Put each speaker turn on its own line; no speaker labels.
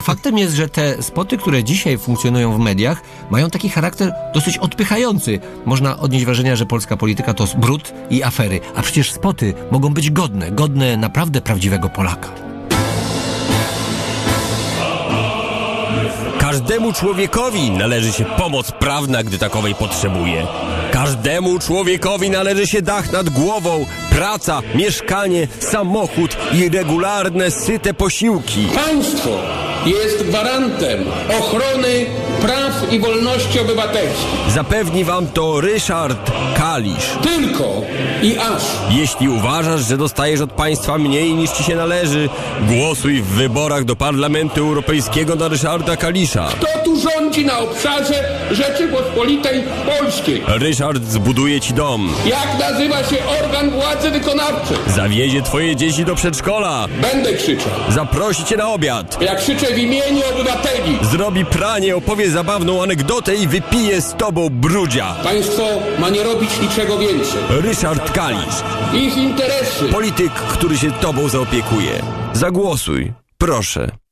Faktem jest, że te spoty, które dzisiaj funkcjonują w mediach, mają taki charakter dosyć odpychający. Można odnieść wrażenie, że polska polityka to brud i afery, a przecież spoty mogą być godne naprawdę prawdziwego Polaka.
Każdemu człowiekowi należy się pomoc prawna, gdy takowej potrzebuje. Każdemu człowiekowi należy się dach nad głową, praca, mieszkanie, samochód i regularne, syte posiłki.
Państwo jest gwarantem ochrony praw i wolności obywatelskich.
Zapewni wam to Ryszard Kalisz.
Tylko i aż.
Jeśli uważasz, że dostajesz od państwa mniej niż ci się należy, głosuj w wyborach do Parlamentu Europejskiego na Ryszarda Kalisza.
Kto tu rządzi na obszarze Rzeczypospolitej Polskiej?
Ryszard zbuduje ci dom.
Jak nazywa się organ władzy wykonawczej?
Zawiezie twoje dzieci do przedszkola.
Będę krzyczał.
Zaprosi cię na obiad.
Jak krzyczę w imieniu obywateli.
Zrobi pranie, opowie zabawną anegdotę i wypije z tobą brudzia.
Państwo ma nie robić niczego więcej.
Ryszard Kalisz.
Ich interesy.
Polityk, który się tobą zaopiekuje. Zagłosuj. Proszę.